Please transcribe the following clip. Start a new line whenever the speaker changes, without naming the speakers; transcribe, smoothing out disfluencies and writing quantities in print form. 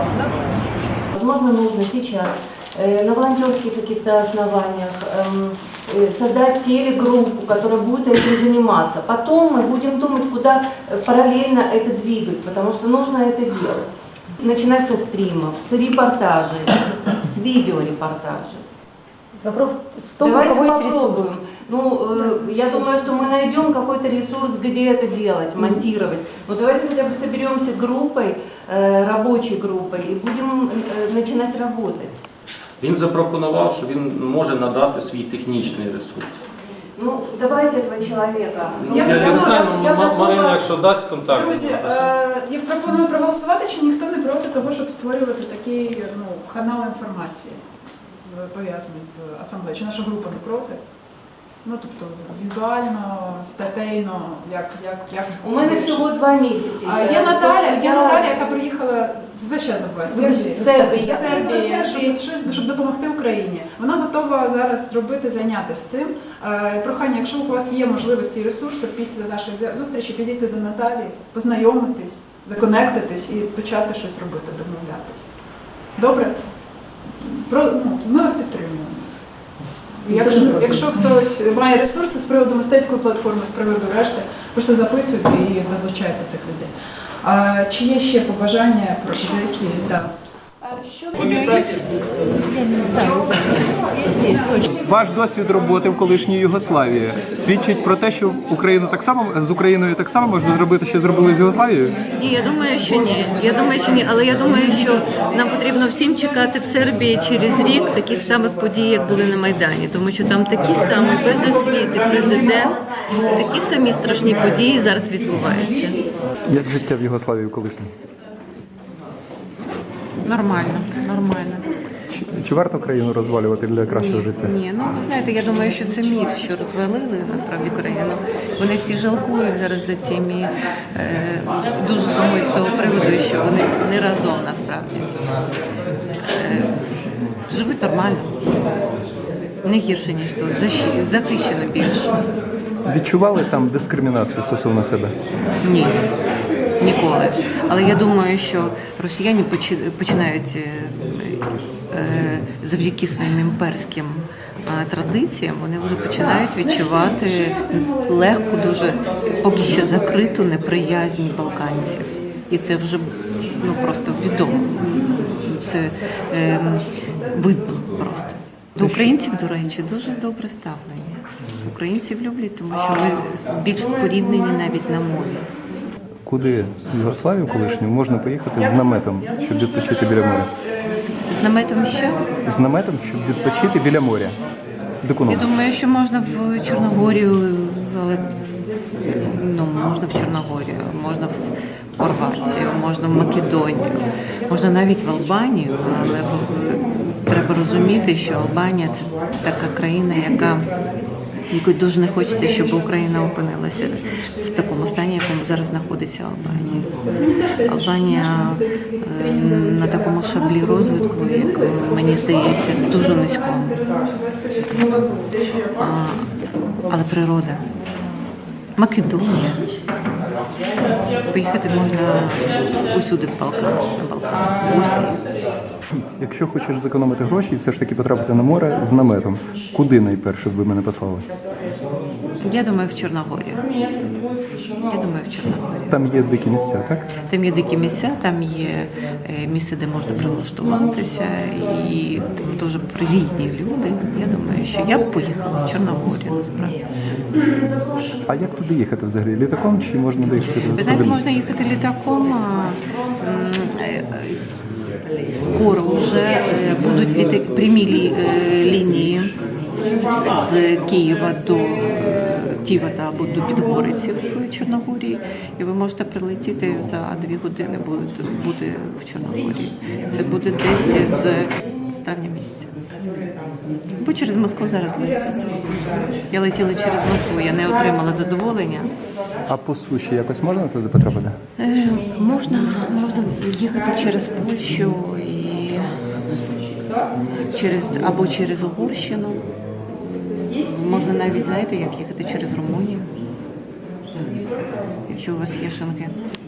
Возможно, нужно сейчас на волонтерских каких-то основаниях создать телегруппу, которая будет этим заниматься. Потом мы будем думать, куда параллельно это двигать, потому что нужно это делать. Начинать со стримов, с репортажей, с видеорепортажей.
Вопрос в том,
Давайте
у кого есть
попробуем.
ресурс.
Я думаю, что мы найдем какой-то ресурс, где это делать, монтировать. Но давайте хотя бы соберемся группой, рабочей группой, и будем начинать работать.
Він запропонував, що він може надати свій технічний ресурс.
Ну, давайте этого человека.
Я не знаю, Марина, якщо дасть контакт.
Друзі, я пропоную проголосувати, чи ніхто не проти того, щоб створювати такий канал інформації, пов'язаний з асамблеєю. Чи наша група не проти? Ну, тобто, візуально, статейно, як...
У мене всього 2 місяці.
Є Наталя, яка приїхала, весь час забуваю, з Сербії, щоб допомогти Україні. Вона готова зараз зробити, зайнятися цим. Прохання, якщо у вас є можливості і ресурси, після нашої зустрічі підійти до Наталі, познайомитись, законектитись і почати щось робити, домовлятися. Добре? Ми вас підтримуємо. Якщо хтось має ресурси з приводу мистецької платформи, з приводу решти, просто записуйте і долучайте цих людей. Чи є ще побажання, пропозиції? Так.
Ваш досвід роботи в колишній Югославії свідчить про те, що з Україною так само можна зробити, що зробили з Югославією?
Ні, я думаю, що ні. Але я думаю, що нам потрібно всім чекати в Сербії через рік таких самих подій, як були на Майдані, тому що там такі самі без освіти президент, і такі самі страшні події зараз відбуваються.
Як життя в Югославії в колишній?
Нормально.
Чи варто країну розвалювати для кращого життя?
Ні, ви знаєте, я думаю, що це міф, що розвалили насправді країну. Вони всі жалкують зараз за цим і дуже сумують з того приводу, що вони не разом насправді. Живуть нормально, не гірше, ніж тут, захищено більше.
Відчували там дискримінацію стосовно себе?
Ні, ніколи. Але я думаю, що росіяни починають завдяки своїм імперським традиціям, вони вже починають відчувати легку, дуже поки що закриту неприязнь балканців. І це вже просто відомо. Це видно просто. До українців, до речі, дуже добре ставлення. Українців люблять, тому що ми більш споріднені навіть на мові.
Куди в Югославію колишню можна поїхати з наметом, щоб відпочити біля моря?
З наметом що?
З наметом, щоб відпочити біля моря.
Я думаю, що можна в Чорногорію, але можна в Чорногорію, можна в Хорватію, можна в Македонію, можна навіть в Албанію, але треба розуміти, що Албанія – це така країна, якої дуже не хочеться, щоб Україна опинилася в такому стані, в якому зараз знаходиться Албанія. Албанія на такому шаблі розвитку, як мені здається, дуже низькому. Але природа. Македонія. Поїхати можна усюди в Балкан, в Боснії.
Якщо хочеш зекономити гроші і все ж таки потрапити на море з наметом, куди найперше б ви мене послали?
Я думаю, в Чорногорію.
Там є дикі місця, так?
Там є дикі місця, там є місце, де можна прилаштуватися, і там дуже привітні люди. Я думаю, що я б поїхала в Чорногорію, насправді.
А як туди їхати взагалі? Літаком чи можна доїхати?
Ви знаєте, можна їхати літаком. Скоро вже будуть прямі лінії з Києва до Тівата або до Підгориців в Чорногорії, і ви можете прилетіти за 2 години бути в Чорногорії. Це буде десь з травня місяця. Бо через Москву зараз летять. Я летіла через Москву, я не отримала задоволення.
А по суші якось можна туди потрапити?
Можна їхати через Польщу або через Угорщину. Можна навіть, знаєте, як їхати через Румунію, якщо у вас є Шенген.